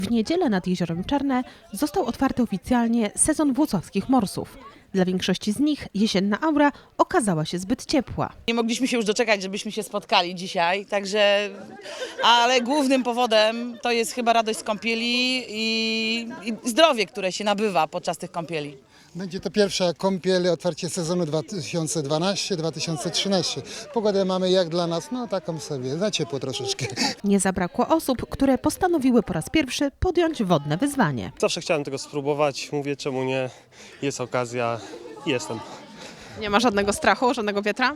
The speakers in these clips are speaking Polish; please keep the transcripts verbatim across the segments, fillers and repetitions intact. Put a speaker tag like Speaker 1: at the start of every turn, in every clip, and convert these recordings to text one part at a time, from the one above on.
Speaker 1: W niedzielę nad Jeziorem Czarne został otwarty oficjalnie sezon włocławskich morsów. Dla większości z nich jesienna aura okazała się zbyt ciepła.
Speaker 2: Nie mogliśmy się już doczekać, żebyśmy się spotkali dzisiaj, także, ale głównym powodem to jest chyba radość z kąpieli i, i zdrowie, które się nabywa podczas tych kąpieli.
Speaker 3: Będzie to pierwsza kąpiel, otwarcie sezonu dwa tysiące dwunasty dwa tysiące trzynaście. Pogodę mamy jak dla nas, no taką sobie, za ciepło troszeczkę.
Speaker 1: Nie zabrakło osób, które postanowiły po raz pierwszy podjąć wodne wyzwanie.
Speaker 4: Zawsze chciałem tego spróbować, mówię czemu nie, jest okazja, jestem.
Speaker 5: Nie ma żadnego strachu, żadnego wietra?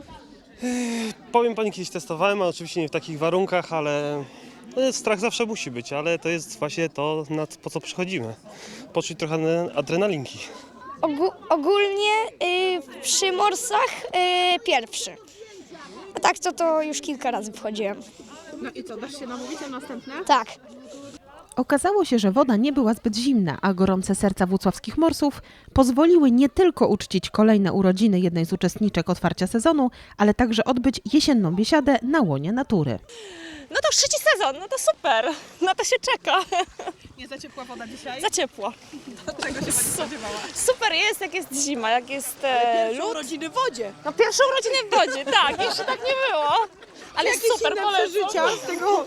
Speaker 4: Powiem pani, kiedyś testowałem, a oczywiście nie w takich warunkach, ale no, strach zawsze musi być, ale to jest właśnie to, na, po co przychodzimy. Poczuć trochę adrenalinki.
Speaker 6: Ogó- ogólnie y, przy morsach y, pierwszy. A tak to to już kilka razy wchodziłem.
Speaker 5: No i co, dasz się namówić na następne?
Speaker 6: Tak.
Speaker 1: Okazało się, że woda nie była zbyt zimna, a gorące serca włocławskich morsów pozwoliły nie tylko uczcić kolejne urodziny jednej z uczestniczek otwarcia sezonu, ale także odbyć jesienną biesiadę na łonie natury.
Speaker 7: No to już trzeci sezon, no to super, na to się czeka.
Speaker 5: Nie za ciepła woda dzisiaj?
Speaker 7: Za ciepło.
Speaker 5: Czego się pani spodziewała?
Speaker 7: Super jest, jak jest zima, jak jest e, lód.
Speaker 5: urodziny w wodzie.
Speaker 7: No pierwsze urodziny w wodzie, tak, jeszcze tak nie było. Ale jest super, polecam.
Speaker 5: z tego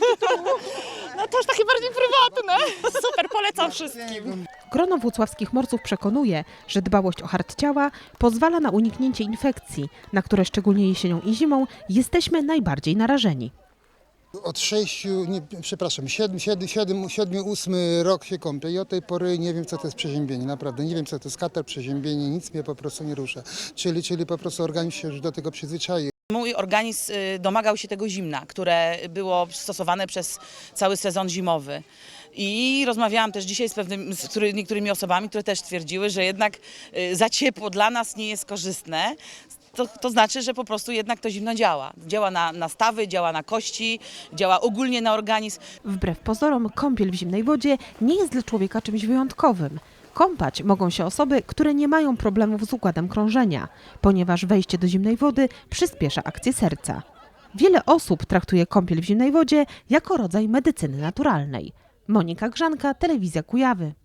Speaker 7: No to już takie bardziej prywatne. Super, polecam wszystkim.
Speaker 1: Grono włocławskich morsów przekonuje, że dbałość o hart ciała pozwala na uniknięcie infekcji, na które szczególnie jesienią i zimą jesteśmy najbardziej narażeni.
Speaker 3: Od sześciu, nie, przepraszam, siedem, siedem, siedem, siedmiu, ósmy rok się kąpię i od tej pory nie wiem, co to jest przeziębienie, naprawdę. Nie wiem, co to jest katar, przeziębienie, nic mnie po prostu nie rusza. Czyli, czyli po prostu organizm się już do tego przyzwyczai.
Speaker 2: Mój organizm y, domagał się tego zimna, które było stosowane przez cały sezon zimowy. I rozmawiałam też dzisiaj z, pewnymi, z który, niektórymi osobami, które też twierdziły, że jednak y, za ciepło dla nas nie jest korzystne. To, to znaczy, że po prostu jednak to zimno działa. Działa na, na stawy, działa na kości, działa ogólnie na organizm.
Speaker 1: Wbrew pozorom, kąpiel w zimnej wodzie nie jest dla człowieka czymś wyjątkowym. Kąpać mogą się osoby, które nie mają problemów z układem krążenia, ponieważ wejście do zimnej wody przyspiesza akcję serca. Wiele osób traktuje kąpiel w zimnej wodzie jako rodzaj medycyny naturalnej. Monika Grzanka, Telewizja Kujawy.